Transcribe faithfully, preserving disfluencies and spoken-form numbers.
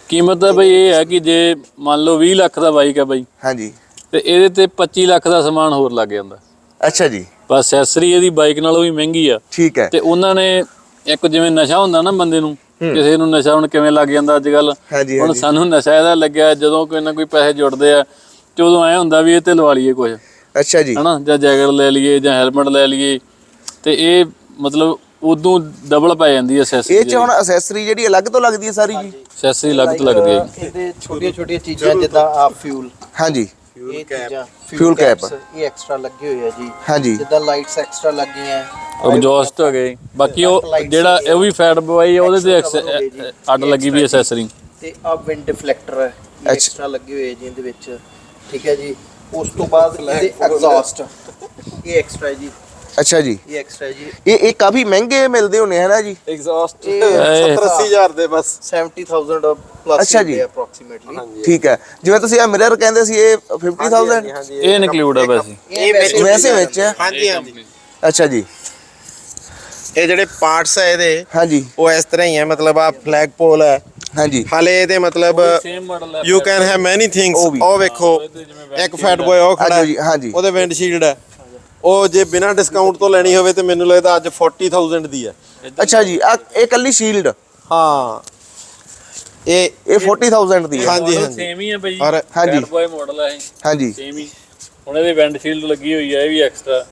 कीमत है बई ये है कि जे मान लो बीस लाख का बाइक है बई हाँ जी ते ਇਹਦੇ ਤੇ पच्चीस ਲੱਖ ਦਾ ਸਮਾਨ ਹੋਰ ਲੱਗ ਜਾਂਦਾ। अच्छा जी ਬਸ ਐਕਸੈਸਰੀ ਇਹਦੀ ਬਾਈਕ ਨਾਲੋਂ ਵੀ ਮਹਿੰਗੀ ਆ। ठीक है ਤੇ ਉਹਨਾਂ ਨੇ ਇੱਕ ਜਿਵੇਂ ਨਸ਼ਾ ਹੁੰਦਾ ਨਾ ਬੰਦੇ ਨੂੰ, ਕਿਸੇ ਨੂੰ ਨਸ਼ਾ ਹੁਣ ਕਿਵੇਂ ਲੱਗ ਜਾਂਦਾ ਅੱਜ ਕੱਲ। ਹਾਂਜੀ ਹੁਣ ਹਾਂਜੀ ਸਾਨੂੰ ਨਸ਼ਾ ਇਹਦਾ ਲੱਗਿਆ ਜਦੋਂ ਕੋਈ ਨਾ ਕੋਈ ਪੈਸੇ ਜੁੜਦੇ ਆ ਤੇ ਉਦੋਂ ਐ ਹੁੰਦਾ ਵੀ ਇਹ ਤੇ ਲਵਾ ਲਈਏ ਕੁਝ, अच्छा जी ਹਨਾ, ਜਾਂ ਜੈਕਟ ਲੈ ਲਈਏ ਜਾਂ ਹੈਲਮਟ ਲੈ ਲਈਏ। ਤੇ ਇਹ ਮਤਲਬ ਉਦੋਂ ਡਬਲ ਪੈ ਜਾਂਦੀ ਹੈ ਐਕਸੈਸਰੀ। ਇਹ ਚ ਹੁਣ ਅਸੈਸਰੀ ਜਿਹੜੀ ਅਲੱਗ ਤੋਂ ਲੱਗਦੀ ਹੈ ਸਾਰੀ ਜੀ? ਐਕਸੈਸਰੀ ਅਲੱਗ ਤੋਂ ਲੱਗਦੀ ਹੈ। ਇਹਦੇ ਛੋਟੀਆਂ ਛੋਟੀਆਂ ਚੀਜ਼ਾਂ ਜਿੱਦਾਂ ਆ ਫਿਊਲ, ਹਾਂਜੀ ਇਹ ਚੀਜ਼ਾਂ ਫਿਊਲ ਕੈਪ ਇਹ ਐਕਸਟਰਾ ਲੱਗੇ ਹੋਏ ਆ ਜੀ। ਹਾਂਜੀ ਜਿੱਦਾਂ ਲਾਈਟਸ ਐਕਸਟਰਾ ਲੱਗੀਆਂ, ਐਗਜ਼ੌਸਟ ਹੋ ਗਏ। ਬਾਕੀ ਉਹ ਜਿਹੜਾ ਇਹ ਵੀ ਫੈਟ ਬਵਾਈ ਉਹਦੇ ਤੇ ਐਕਸ- ਅੱਡ ਲੱਗੀ ਵੀ ਐਕਸੈਸਰੀ। ਤੇ ਆ ਵਿੰਡ ਡਿਫਲੈਕਟਰ ਹੈ ਐਕਸਟਰਾ ਲੱਗੇ ਹੋਏ ਜੀ ਇਹਦੇ ਵਿੱਚ, ਠੀਕ ਹੈ ਜੀ। ਉਸ ਤੋਂ ਬਾਅਦ ਇਹਦੇ ਐਗਜ਼ੌਸਟ ਇਹ ਐਕਸਟਰਾ ਹੈ ਜੀ। ਅੱਛਾ ਜੀ ਇਹ ਐਕਸਟਰਾ ਜੀ। ਇਹ ਇਹ ਕਾਫੀ ਮਹਿੰਗੇ ਮਿਲਦੇ ਹੋਣੇ ਹੈ ਨਾ ਜੀ? ਐਗਜ਼ੌਸਟ ਸੱਤਰ ਅੱਸੀ ਹਜ਼ਾਰ ਦੇ ਬਸ ਸੱਤਰ ਹਜ਼ਾਰ ਪਲੱਸ ਅੱਛਾ ਜੀ ਅਪਰੋਕਸੀਮੇਟਲੀ। ਠੀਕ ਹੈ। ਜਿਵੇਂ ਤੁਸੀਂ ਆ ਮਿਰਰ ਕਹਿੰਦੇ ਸੀ ਇਹ ਪਚਾਸ ਹਜ਼ਾਰ ਇਹ ਇਨਕਲੂਡ ਆ ਵੈਸੇ। ਇਹ ਵੈਸੇ ਵਿੱਚ ਹੈ? ਹਾਂਜੀ ਹਾਂਜੀ ਅੱਛਾ ਜੀ ਇਹ ਜਿਹੜੇ ਪਾਰਟਸ ਹੈ ਇਹਦੇ ਹਾਂਜੀ ਉਹ ਇਸ ਤਰ੍ਹਾਂ ਹੀ ਹੈ, ਮਤਲਬ ਆ ਫਲੈਗ ਪੋਲ ਹੈ ਹਾਂਜੀ ਹਾਲੇ ਇਹਦੇ ਮਤਲਬ ਸੇਮ ਮਾਡਲ ਹੈ। You can have many things. ਉਹ ਵੀ। ਉਹ ਵੇਖੋ ਇੱਕ ਫੈਟ ਬੋਏ ਉਹ ਖੜਾ ਹਾਂਜੀ ਹਾਂਜੀ ਉਹਦੇ ਵਿੰਡਸ਼ੀਲਡ ਹੈ, ਉਹ ਜੇ ਬਿਨਾਂ ਡਿਸਕਾਊਂਟ ਤੋਂ ਲੈਣੀ ਹੋਵੇ ਤੇ ਮੈਨੂੰ ਲੱਗਦਾ ਅੱਜ ਚਾਲੀ ਹਜ਼ਾਰ ਦੀ ਹੈ। ਅੱਛਾ ਜੀ ਆ ਇਹ ਕੱਲੀ ਸ਼ੀਲਡ ਹਾਂ ਇਹ ਇਹ ਚਾਲੀ ਹਜ਼ਾਰ ਦੀ ਹੈ? ਹਾਂਜੀ ਹਾਂਜੀ ਸੇਮ ਹੀ ਹੈ ਬਈ। ਔਰ ਹਾਂਜੀ ਬੈਡ ਬॉय ਮਾਡਲ ਹੈ ਇਹ, ਹਾਂਜੀ ਸੇਮ ਹੀ। ਹੁਣ ਇਹਦੇ ਵਿੰਡ ਸ਼ੀਲਡ ਲੱਗੀ ਹੋਈ ਹੈ, ਇਹ ਵੀ ਐਕਸਟਰਾ।